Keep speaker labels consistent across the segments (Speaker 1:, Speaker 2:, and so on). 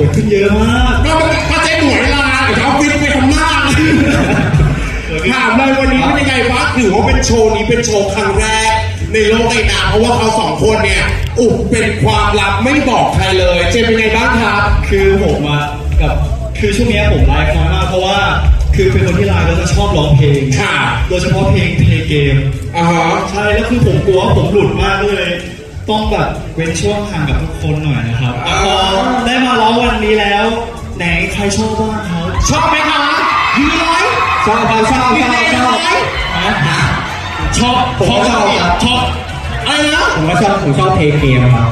Speaker 1: ขึ้นเยอะมาก
Speaker 2: ก็เจ๊หมวยลาเขาฟิตไปทำหน้าถามเลยวันนี้เป็นยังไงบ้างถือว่าเป็นโชว์นี้เป็นโชว์ครั้งแรกในโลกไอ้นาเพราะว่าเขาสองคนเนี่ยอุบเป็นความลับไม่บอกใครเลยเจเป็นไงบ้างครับ
Speaker 1: คือผมอะกับคือช่วงนี้ผมไลฟ์น้อยมากเพราะว่าคือเป็นคนที่ไลฟ์แล้วจะชอบร้องเพลง
Speaker 2: ค่ะ
Speaker 1: โดยเฉพาะเพลงเกมใช่แล้วคือผมกลัวผมหลุดมากเลยต้องแบบเว้นช่วงห่างกับทุกคนหน่อยนะครับได้มาร้องวันนี้แล้วไหนใครชอบบ้างครับ
Speaker 2: ชอบไหมคะยูร้อย
Speaker 1: ชอบชอบชอบ
Speaker 2: อะไรนะ
Speaker 1: ผมก็ชอบเพลงเกมครับ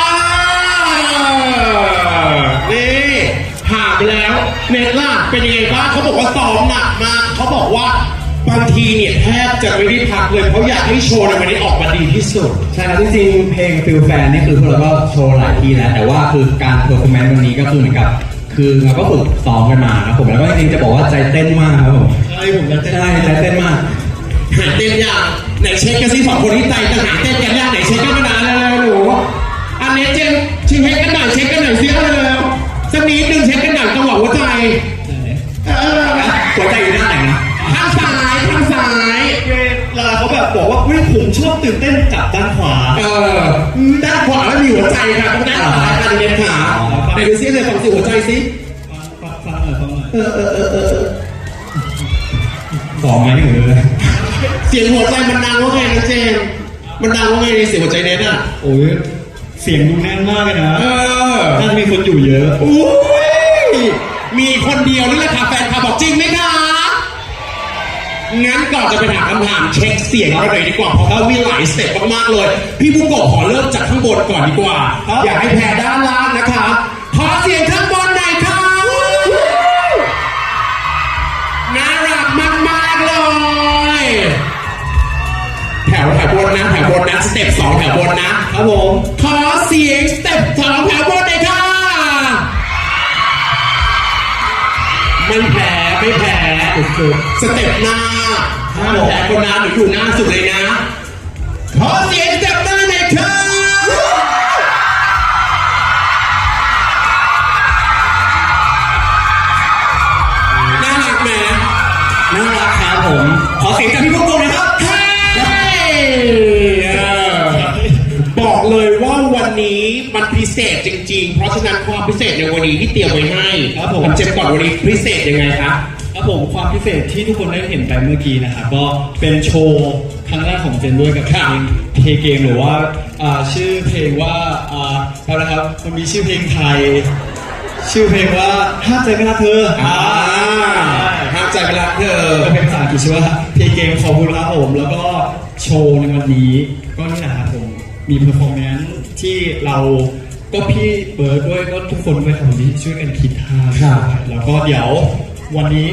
Speaker 2: นี่ผ่านไปแล้วเน็ตล่ะเป็นยังไงบ้างเขาบอกว่าซ้อมหนักมากเขาบอกว่าบางทีเนี่ยแทบจะไม่ได้พักเลยเขาอยากให้โชว์ในวันนี้ออกมาดีที่สุด
Speaker 1: ใช่ครับจริงๆเพลงฟิลแฟนนี่คือพวกเราก็โชว์หลายทีแล้วแต่ว่าคือการเพอร์ฟอร์แมนซ์วันนี้ก็คือเหมือนกับคือเราก็ฝึกซ้อมกันมาครับผมแล้วก็จริงๆจะบอกว่าใจเต้นมากครับผม
Speaker 2: ใช่ผมจะ
Speaker 1: ใช่ใจเต้นมาก
Speaker 2: หาเต้นยากไหนเช็คกันสิสองคนที่ใจจะหาเต้นกันยากไหนเช็คกันมานานแล้วหนูอันนี้เจมชิงเช็คกันหน่อยเช็คกันหน่อยซิเอาเลยสักนิดนึงเช็คกันหน่อยจังหวะหัวใจ
Speaker 1: หัวใจอยู่ด้านไหนนะ
Speaker 2: ทางซ้าย
Speaker 1: เวลาเขาแบบบอกว่าเฮ้ยผมชอบตื่นเต้นจับด้านขวา
Speaker 2: ด้านขวาแล้วมีหัวใจค่ะต้องด้านซ้ายค่ะเด็กขาไหนดูซิเลยฟังสิหัวใจสิ
Speaker 1: ฟังหน่อยสองไงหนูเลย
Speaker 2: เสียงหัวใจมันดังว่าไงนะเจมมันดังว่าไงในเสียงหัวใจเน็ตอ่ะ
Speaker 1: โอ้ยเสียงดูแน่นมากเลยนะน่าจะมีคนอยู่เยอะ
Speaker 2: อุ้ยมีคนเดียวนี่แหละค่ะแฟนคลับบอกจริงไหมคะงั้นก่อนจะไปถามคำถามเช็คเสียงเราเลยดีกว่าเพราะว่ามีหลายสเต็ปมากๆเลยพี่บุ้งโกะขอเริ่มจากข้างบนก่อนดีกว่าอยากให้แพ้ด้านล่างนะคะขอเสียงข้างบนหน่อยค่ะน่ารักมากๆเลยแถวบนนะสเต็ป2แถวบนนะครับผมขอเสียงสเต็ป2แถวบนหน่อยค่ะไม่แพ้สเต็ปหน้าแพ้คนนั้นหนูอยู่หน้าสุดเลยนะขอเสียงสเต็ปหน้าหน่อยค่ะน่ารักไหม
Speaker 1: น่ารักครับผมขอเสียงจากพี่พวกเราเลยครับ
Speaker 2: บอกเลยว่าวันนี้มันพิเศษจริงๆเพราะฉะนั้นความพิเศษในวันนี้ที่เตรียมไว้ให้
Speaker 1: ครับผม
Speaker 2: เจ็บก่อนวันนี้พิเศษยังไงครับ
Speaker 1: ผมความพิเศษที่ทุกคนได้เห็นไปเมื่อกี้นะครับก็เป็นโชว์ครั้งแรกของเจนด้วยกับเพลงเกมหรือว่าชื่อเพลงว่าอะไรนะครับมันมีชื่อเพลงไทยชื่อเพลงว่าห้ามใจไม่รักเธอ
Speaker 2: ห้ามใจไม่รักเธอ
Speaker 1: เป็นภาษาอังกฤษชื่อว่าเพลงเกมของคุณครับผมแล้วก็โชว์ในวันนี้ก็นี่แหละครับผมมีเพอร์ฟอร์แมนซ์ที่เราก็พี่เบิร์ดด้วยก็ทุกคนด้วยครับที่ช่วยกันคิดท่าแล้วก็เดี๋ยววันนี้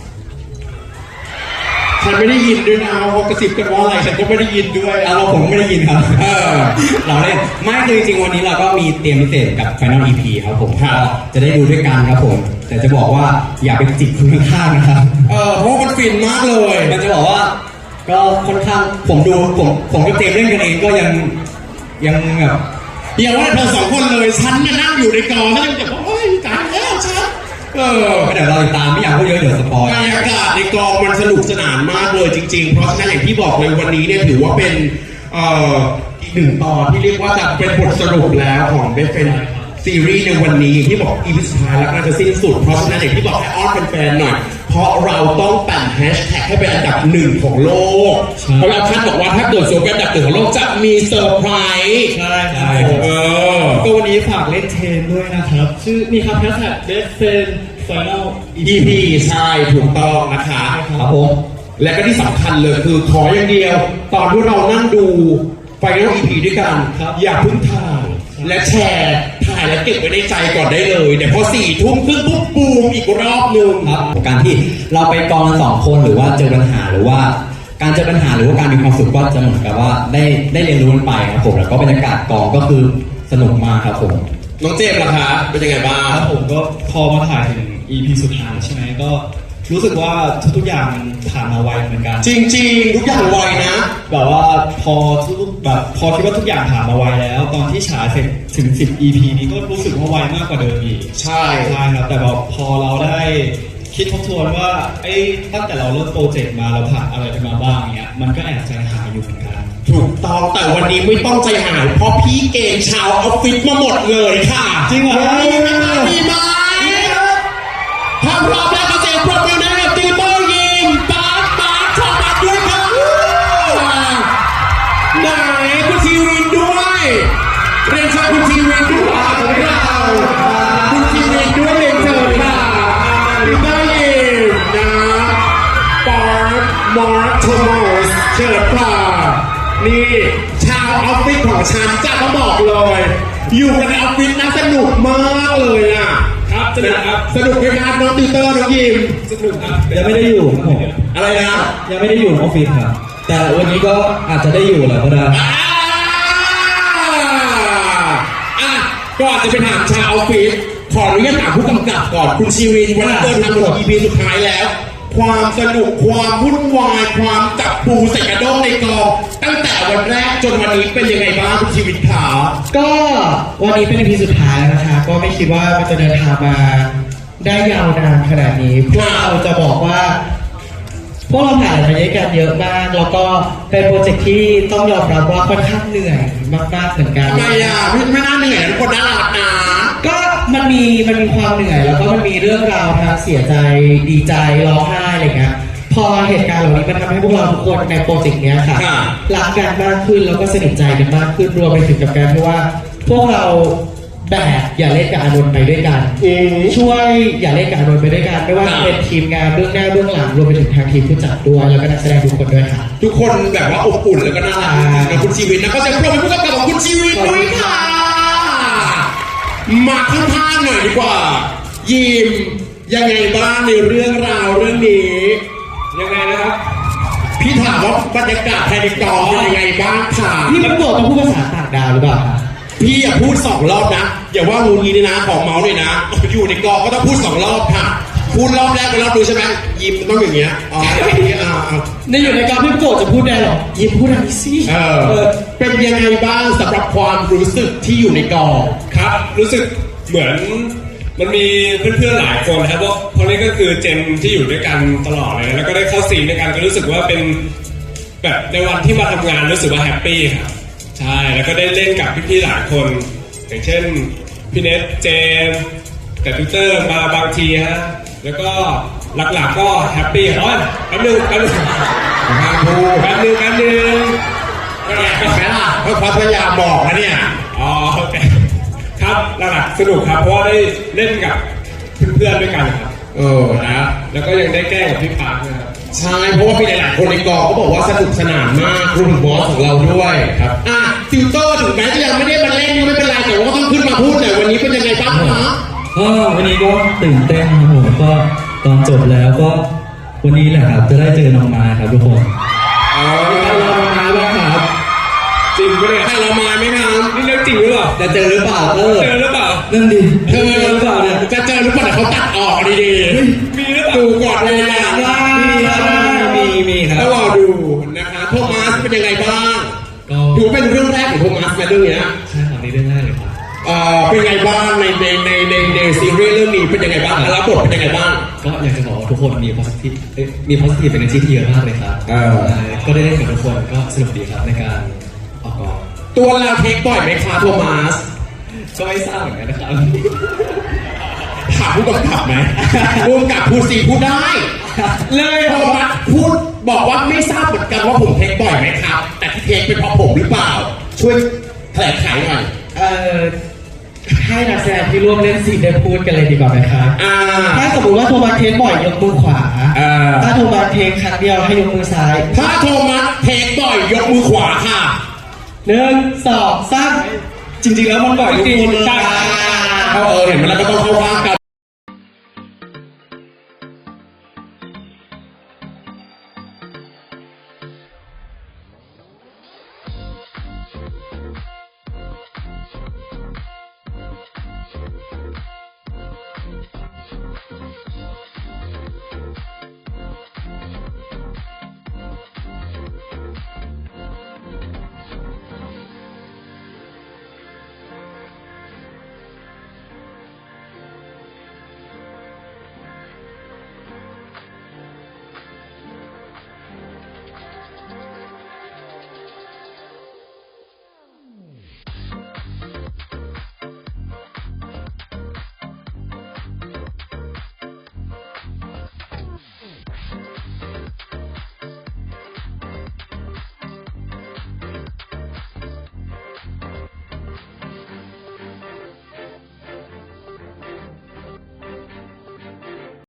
Speaker 2: ฉันไม่ได้ยินด้วยนะเขากระซิบกันว่าอะไรฉันก็ไม่ได้ยินด้วย
Speaker 1: ผมไม่ได้ยินครับเราเล่นไม่คือจริงๆวันนี้เราก็มีเตรียมพิเศษกับ Final EP ครับผมก็จะได้ดูด้วยกันครับผมแต่จะบอกว่าอย่าไปจิกคนข้างๆนะครับ
Speaker 2: เพราะมันฟินมากเลย
Speaker 1: มันจะบอกว่าก็ค่อนข้างผมกับเจมเล่นกันเองก็ยังแบบ
Speaker 2: อย่าว่าเธอสองคนเลยฉันนั่งอยู่ในกองแล้วยังแบบโอ้ยตายแล้วฉัน
Speaker 1: เดี๋ยวเราตามไม่อยากพูดเยอะเดี๋ยวสปอย
Speaker 2: บรรยากาศในกองมันสนุกสนานมากเลยจริงๆเพราะฉะนั้นอย่างที่บอกเลยวันนี้เนี่ยถือว่าเป็นอีกหนึ่งตอนที่เรียกว่าจะเป็นบทสรุปแล้วของเบฟเฟนซีรีส์ในวันนี้ที่บอกอีพิสุดท้ายแล้วน่าจะสิ้นสุดเพราะฉะนั้นอย่างที่บอกให้อ้อนแฟนๆหน่อยเพราะเราต้องแต่งแฮชแท็กให้เป็นอันดับ1ของโลกเพราะเราคาดบอกว่าถ้าเกิดโซเป็นอันดับ1ของโลกจะมีเซอร์ไพรส์
Speaker 1: ใช่ก็วันนี้ฝากเล่นเทนด้วยนะครับชื่อมีครับแฮชแท็กเบฟเฟนFinal
Speaker 2: EP ใช่ถูกต้องนะคะ
Speaker 1: ครับผม
Speaker 2: และก็ที่สำคัญเลยคือขออย่างเดียวตอนที่เรานั่งดู Final EP ด้วยกันอย่าเพิ่งถ่ายและแชร์ถ่ายและเก็บไว้ในใจก่อนได้เลยเดี๋ยวพอ4 ทุ่มครึ่งปุ๊บบูมอีกรอบนึง
Speaker 1: ครับการที่เราไปกองกัน2 คนหรือว่าเจอปัญหาหรือว่าการเจอปัญหาหรือว่าการมีความสุขก็จะเหมือนกับว่าได้เรียนรู้กันไปครับผมแล้วก็บรรยากาศกองก็คือสนุกมากครับผม
Speaker 2: น้องเจมส์ล่ะคะเป็นยังไงบ้าง
Speaker 1: ครับผมก็พอมาถ่ายถึง EP สุดท้ายใช่ไหมก็รู้สึกว่าทุกๆอย่างมันผ่านมาไวเหมือนกัน
Speaker 2: จริงๆ ทุกอย่างไวนะ
Speaker 1: แบบว่าพอคิดว่าทุกอย่างผ่านมาไวแล้ว ตอนที่ฉายเสร็จถึง 10 EP นี้ก็รู้สึกว่าไวมากกว่าเดิมอีก
Speaker 2: ใช่
Speaker 1: ใช่ครับแต่แบบพอเราได้คิดทบทวนว่าตั้งแต่เราเริ่มโปรเจกต์มาเราผ่านอะไรกันมาบ้างเนี้ยมันก็แอบใจหายอยู่เหมือนกัน
Speaker 2: ถูกต้องแต่วันนี้ไม่ต้องใจหายเพราะพี่เกณฑ์ชาวออฟฟิศมาหมดเลยค่ะ
Speaker 1: จริงเหรอ
Speaker 2: มีไหมคะมีไหมถ้าพร้อมแล้วก็เสียงปรบมือให้กับติวเตอร์ยิมบาสโทมัสด้วยค่ะไหนคุณทีวินด้วยเรียนเชิญคุณทีวินด้วยของเราคุณทีวินด้วยเรียนเชิญค่ะติวเตอร์ยิมนะปาร์คมาร์คโทมัสเชิญค่ะนี่ชาวออฟฟิศของฉันจะมาบอกเลย อยู่กันในออฟฟิศนะสนุกมากเลยอ่ะ
Speaker 3: ครับสนุกครับ
Speaker 2: สนุกไหมครับน้องติวเตอร์น้องยิม
Speaker 3: สนุกครับ
Speaker 1: ยังไม่ได้อยู่ครับผม
Speaker 2: อะไรนะ
Speaker 1: ยังไม่ได้อยู่ออฟฟิศครับแต่วันนี้ก็อาจจะได้อยู่แหละก็ได้
Speaker 2: อ่ะก่อนจะไปถามชาวออฟฟิศขออนุญาตถามผู้กำกับก่อนคุณชีวินวันนี้เดินทางมาถึง EP สุดท้ายแล้ว ความสนุกความวุ่นวายความจับปูใส่กระด้งในกองตั้งแต่วันแรกจนวันนี้เป็นยังไงบ้างคุณชีวินขา
Speaker 4: ก็วันนี้เป็น EP สุดท้ายแล้วนะคะก็ไม่คิดว่ามันจะเดินทางมาได้ยาวนานขนาดนี้พวกเราจะบอกว่า พวกเราผ่านอะไรมาด้วยกันเยอะมากแล้วก็เป็นโปรเจกต์ที่ต้องยอมรับว่าค่อนข้างเหนื่อยมากๆเหมือนกัน
Speaker 2: ทำไมอ่ะไม่น่าเหนื่อยทุกคนน่ารักนะ
Speaker 4: ก็มันมีความเหนื่อยแล้วก็มันมีเรื่องราวทั้งเสียใจดีใจร้องไห้อะไรเงี้ยพอเหตุการณ์เหล่านี้มันทำให้พวกเราทุกคนในโปรเจกต์เนี้ยค่ะรักกันมากขึ้นแล้วก็สนิทใจกันมากขึ้นรวมไปถึงกับการที่ว่า พวกเราแบกอย่าเล่นกับอานนท์ไปด้วยกันช่วยอย่าเล่นกับอานนท์ไปด้วยกันไม่ว่าจะเป็นทีมงานเบื้องหน้าเบื้องหลังรวมไปถึงทางทีมผู้จัดด้วยแล้วก็นักแสดงทุกคนด้วยค่ะ
Speaker 2: ทุกคนแบบว่าอบอุ่นแล้วก็น่ารักจริงๆนะคุณชีวินนะก็จะปรบมือผู้กำกับของคุณชีวินด้วยค่ะมาข้างๆหน่อยดีกว่า ยิมยังไงบ้างในเรื่องราวเรื่องนี้
Speaker 3: ยังไงนะครับ
Speaker 2: พี่ถามว่าบรรยากาศภายในกองเป็นยังไงบ้างค่ะ
Speaker 4: พี่มันบอกต้องพูดภาษาต่างดาวหรือเปล่าคะ
Speaker 2: พี่อย่าพูด2 รอบนะอย่าว่างูงี้นี่นะของเมาส์เลยนะอยู่ในกองก็ต้องพูด2 รอบค่ะพูดรอบแรกไปรอบดูใช่ไหมยิมต้องอย่างเงี้ยอ๋ออย่างเงี้ยอ่า
Speaker 4: ในอยู่ในการพี่โกรธจะพูดได้หรอยิ้มพูดอะไรสิ
Speaker 2: เป็นยังไงบ้างสำหรับความรู้สึกที่อยู่ในกอง
Speaker 3: ครับ รู้สึกเหมือนมันมีเพื่อนๆหลายคนนะครับเพราะนี่ก็คือเจนที่อยู่ด้วยกันตลอดเลยแล้วก็ได้เข้าซีนด้วยกันก็รู้สึกว่าเป็นแบบในวันที่มาทำงานรู้สึกว่าแฮปปี้ครับใช่แล้วก็ได้เล่นกับพี่ๆหลายคน อย่างเช่นพี่เนทเจมส์แต่ทวิตเตอร์มาบางทีฮะแล้วก็หลักๆก็แฮปปี้อ๋อแป๊บนึง
Speaker 2: ห้ามพูด
Speaker 3: แป๊บนึง
Speaker 2: เห็นไหมล่ะเพราะพยายามบอกนะเนี่ย
Speaker 3: อ๋อโอเคครับหลักๆสนุกครับเพราะว่าได้เล่นกับเพื่อนๆด้วยกันครับ
Speaker 2: นะ
Speaker 3: แล้วก็ยังได้แกล้งกับพี่ปาร์คนะครับ
Speaker 2: ใช่เพราะว่ามีหลายๆคนในกองเขาบอกว่าสนุกสนานมากรวมถึงบอสของเราด้วยครับติวเตอร์ถึงแม้จะยังไม่ได้มาเล่นก็ไม่เป็นไรแต่ว่าก็ต้องขึ้นมาพูดหน่อยวันนี้เป็นยังไงบ้างคะ
Speaker 5: ก็วันนี้ก็ตื่นเต้นครับผมก็ตอนจบแล้วก็วันนี้แหละครับจะได้เจอน้องมาครับทุกคน
Speaker 2: ใครรอมาบ้างครับ
Speaker 3: จริงปะเนี่ย
Speaker 2: ใครรอมาไหมครับ
Speaker 3: นี่เรื่องจริงหรือเปล่า
Speaker 5: จะเจอหรือเปล่า
Speaker 3: เจอหรือเปล่า
Speaker 5: นั่นดิ
Speaker 2: เธอ
Speaker 5: เจอหรือเปล่าเนี่ย
Speaker 2: จะเจอหรือเปล่าเดี๋ยวเขาตัดออกดี
Speaker 3: มีหรือเปล่า
Speaker 2: ๆดูก่อนเลยนะ
Speaker 5: มีครับ
Speaker 2: ต้องรอดูนะคะโทมัสเป็นยังไงบ้าง
Speaker 5: ก็
Speaker 2: ถือว่าเป็นเรื่องแรกของโทมัสในเรื่องเนี้ย
Speaker 5: ใช่ครับในเรื่องแรกเลยครับ
Speaker 2: เป็นไงบ้างในซีรีส์เรื่องนี้เป็นยังไงบ้างรับบทเป็นยังไงบ้าง
Speaker 5: ก็อยากจะบอกว่าทุกคนมี positive มี positive energy ที่เยอะมากเลยครับก็ได้เล่นกับทุกคนก็สนุกดีครับในการออกกอง
Speaker 2: ตัวเราเทคบ่อยไหมคะโทมัส
Speaker 5: ก็ไม่ทราบเหมือนกันนะครับ
Speaker 2: ถามผู้กำกับไหมผู้กำกับพูดสีพูดได้ เลยโทมัสพูดบอกว่าไม่ทราบเหมือนกันว่าผมเทคบ่อยไหมครับ แต่ที่เทคเป็นเพราะผมหรือเปล่า ช่วยแถลงไขหน่อย
Speaker 4: ให้นักแสดงที่ร่วมเล่นซีนได้พูดกันเลยดีกว่าไหมครับ ถ้าสมมติว่าโทมัสเทคบ่อยยกมือขวา ถ้าโทมัสเทคครั้งเดียวให้ยกมือซ้าย
Speaker 2: ถ้าโทมัสเทคบ่อยยกมือขวาค่ะ
Speaker 4: 1 2 3
Speaker 1: จริงๆแล้วมันบ่อยทุกคนเลย
Speaker 2: เห็นไหมแล้วก็ต้องเข้าข้างกัน